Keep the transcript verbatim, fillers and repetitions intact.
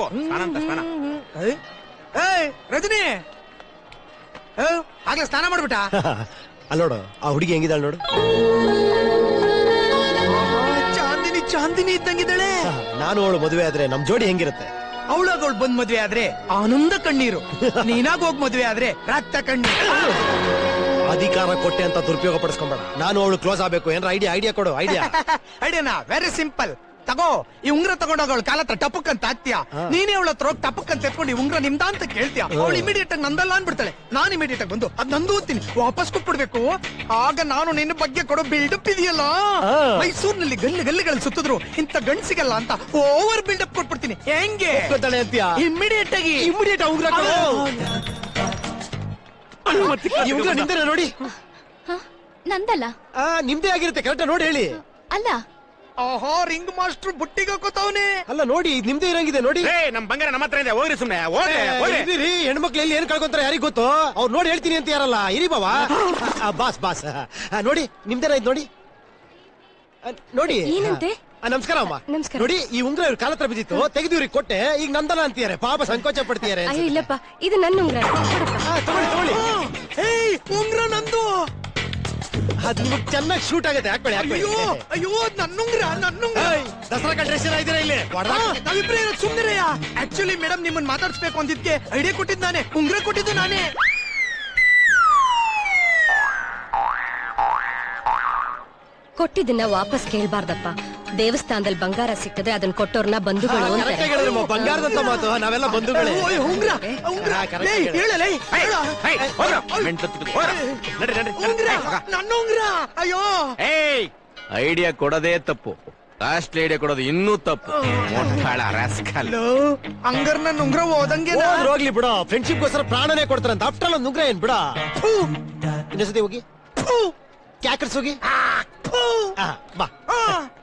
ಸ್ನಾನ ಅಂತ ಸ್ನಾನ. ರಜನಿ ಆಗ್ಲೇ ಸ್ನಾನ ಮಾಡ್ಬಿಟ್ಟ. ಅಲ್ಲೋಡು ಆ ಹುಡುಗಿ ಹೆಂಗಿದಾಳ ನೋಡು. ಚಾಂದಿನಿ ಚಾಂದಿನಿ ಇದ್ದಂಗಿದ್ದಾಳೆ. ನಾನು ಅವಳು ಮದುವೆ ಆದ್ರೆ ನಮ್ ಜೋಡಿ ಹೆಂಗಿರುತ್ತೆ? ಅವಳಾಗ ಅವಳು ಬಂದ್ ಮದ್ವೆ ಆದ್ರೆ ಆನಂದ ಕಣ್ಣೀರು, ನೀನಾಗ ಹೋಗ್ ಮದ್ವೆ ಆದ್ರೆ ರಕ್ತ ಕಣ್ಣೀರು. ಅಧಿಕಾರ ಕೊಟ್ಟೆ ಅಂತ ದುರುಪಯೋಗ ಪಡಿಸ್ಕೊಂಬೇಡ. ನಾನು ಅವಳು ಕ್ಲೋಸ್ ಆಗ್ಬೇಕು. ಏನಾರ ಐಡಿಯಾ ಐಡಿಯಾ ಕೊಡು. ಐಡಿಯಾ ಐಡಿಯಾನಾ? Very simple. ತಗೋ ಈ ಉಂಗ್ರ ತಗೊಂಡೋಗ ಅವಳ ಕಾಲ ಹತ್ರ ಟಪಕ್ ಅಂತ ಹಾಕ್ತೀಯ. ನೀನೇ ಅವಳ ಹತ್ರ ಹೋಗಿ ಟಪಕ್ ಅಂತ ಎತ್ಕೊಂಡು ಈ ಉಂಗ್ರ ನಿಮ್ದ ಅಂತ ಕೇಳ್ತೀಯ. ಅವಳು ಇಮಿಡಿಯೇಟ್ ಆಗಿ ನಂದಲ್ಲ ಅನ್ಬಿಡ್ತಾಳೆ. ನಾನ್ ಇಮಿಡಿಯೇಟ್ ಆಗಿ ಬಂದು ಅದ್ ನಂದು ಓದ್ತೀನಿ ವಾಪಸ್ ಕೊಟ್ಬಿಡ್ಬೇಕು. ಆಗ ನಾನು ನಿನ್ನ ಬಗ್ಗೆ ಕೊಡೋ ಬಿಲ್ಡಪ್ ಇದೆಯಲ್ಲ, ಮೈಸೂರಿನಲ್ಲಿ ಗಲ್ಲಿ ಗಲ್ಲಿಗಳಲ್ಲಿ ಸುತ್ತಿದ್ರು ಇಂತ ಗಂಡ್ಸಿಗಲ್ಲ ಅಂತ ಓವರ್ ಬಿಲ್ಡಪ್ ಕೊಟ್ಬಿಡ್ತೀನಿ. ಹೆಂಗೆ ಅಂತೀಯ? ಇಮಿಡಿಯೇಟ್ ಆಗಿ ಇಮಿಡಿಯೇಟ್ ಉಂಗ್ರ ಈ ಉಂಗ್ರ ನಿಮ್ದೇನ ನೋಡಿ. ನಂದಲ್ಲ. ನಿಮ್ದೇ ಆಗಿರುತ್ತೆ. ಕರೆಕ್ಟ್ ನೋಡಿ ಹೇಳಿ. ಅಲ್ಲ. ಆಹಾ ರಿಂಗ್ ಮಾಸ್ಟರ್ ಬುಟ್ಟಿಗೆ ಹಾಕೋತಾವನೆ. ಅಲ್ಲ ನೋಡಿ ನಿಮ್ದೇ ಇರಂಗಿದೆ ನೋಡಿ. ನಮ್ ಬಂಗಾರ ನಮ್ಮ ಹತ್ರ ಇದೆ. ಹೋಗ್ರಿ ಸುಮ್ನೆ ಹೋಗ್ರಿ. ಹೆಣ್ಮಕ್ಳು ಎಲ್ಲಿ ಏನ್ ಕಳ್ಕೊಂತಾರೆ ಯಾರಿಗ್ ಗೊತ್ತು. ಅವ್ರು ನೋಡಿ ಹೇಳ್ತೀನಿ ಅಂತ ಯಾರಲ್ಲ. ಇರಿ ಬಾವಾ ಬಾಸ್ ಬಾಸ್ ನೋಡಿ ನಿಮ್ದೇನ ಇದ್ ನೋಡಿ ನೋಡಿ. ಏನಂತೆ? ನಮಸ್ಕಾರ ಅಮ್ಮ. ನಮಸ್ಕಾರ. ನೋಡಿ ಈ ಉಂಗ್ರ ಇವ್ರ ಕಾಲ ಹತ್ರ ಬಿದ್ದಿತ್ತು, ತೆಗೆದು ಇವ್ರಿಗೆ ಕೊಟ್ಟೆ. ಈಗ ನಂದನ ಅಂತೀಯಾರೆ. ಪಾಪ ಸಂಕೋಚ ಪಡ್ತೀಯಾರೆ. ಇಲ್ಲಪ್ಪ, ಇದು ನನ್ನ ಉಂಗ್ರ. ತಗೊಳ್ಳಿ ತಗೊಳ್ಳಿ. ಉಂಗ್ರ ನಂದು. ಅದ್ ನಿಮಗ್ ಚೆನ್ನಾಗಿ ಶೂಟ್ ಆಗುತ್ತೆ. ಹಾಕ್ಬೇಡಿ ಹಾಕ್ಬೇಡಿ. ಅಯ್ಯೋ ಅಯ್ಯೋ ನನ್ನುಂಗ್ರ ನನ್ನುಂಗ್ರ. ದಸರಾ ಡ್ರೆಸ್ ಇದ್ದೀರಾ ಇಲ್ಲಿ? ನಾವಿಬ್ರೇ ಸುಮ್ಮನಿರಯ್ಯ. ಆಕ್ಚುಲಿ ಮೇಡಮ್ ನಿಮ್ಮನ್ನ ಮಾತಾಡ್ಸ್ಬೇಕು ಅಂದಿದ್ಕೆ ಐಡಿಯಾ ಕೊಟ್ಟಿದ್ ನಾನೇ, ಉಂಗ್ರ ಕೊಟ್ಟಿದ್ದು ನಾನೇ. ಕೊಟ್ಟಿದ್ದನ್ನ ವಾಪಸ್ ಕೇಳ್ಬಾರ್ದಪ್ಪ. ದೇವಸ್ಥಾನದಲ್ಲಿ ಬಂಗಾರ ಸಿಕ್ಕದೆ ಅದನ್ನ ಕೊಟ್ಟೋರ್ನ ಬಂಧುಗಳು ಅಂತಾರೆ. ಬಂಗಾರದಂತ ಮಾತು. ನಾವೆಲ್ಲ ಬಂಧುಗಳೇ. ಉಂಗ್ರ ಉಂಗ್ರ ಹೇಳಲೇ. ನನ್ನ ಉಂಗ್ರ. ಅಯ್ಯೋ ಐಡಿಯಾ ಕೊಡೋದೇ ತಪ್ಪು. ಕಾಸ್ಟ್ಲಿ ಐಡಿಯಾ ಕೊಡೋದು ಇನ್ನೂ ತಪ್ಪು. ಹಂಗಾರ ನನ್ನ ಉಂಗ್ರ ಹೋದಂಗೆ ಹೋಗ್ಲಿ ಬಿಡ. ಫ್ರೆಂಡ್ಶಿಪ್ ಗೋಸ್ಕರ ಪ್ರಾಣನೇ ಕೊಡ್ತಾರಂತ. ಆಫ್ಟರ್ ಒಂದು ಉಂಗ್ರ ಏನ್ ಬಿಡ. ಇನ್ನೊಂದ್ಸತಿ ಹೋಗಿ ಕ್ಯಾಕರ್ಸ್ ಹೋಗಿ ಬಾ.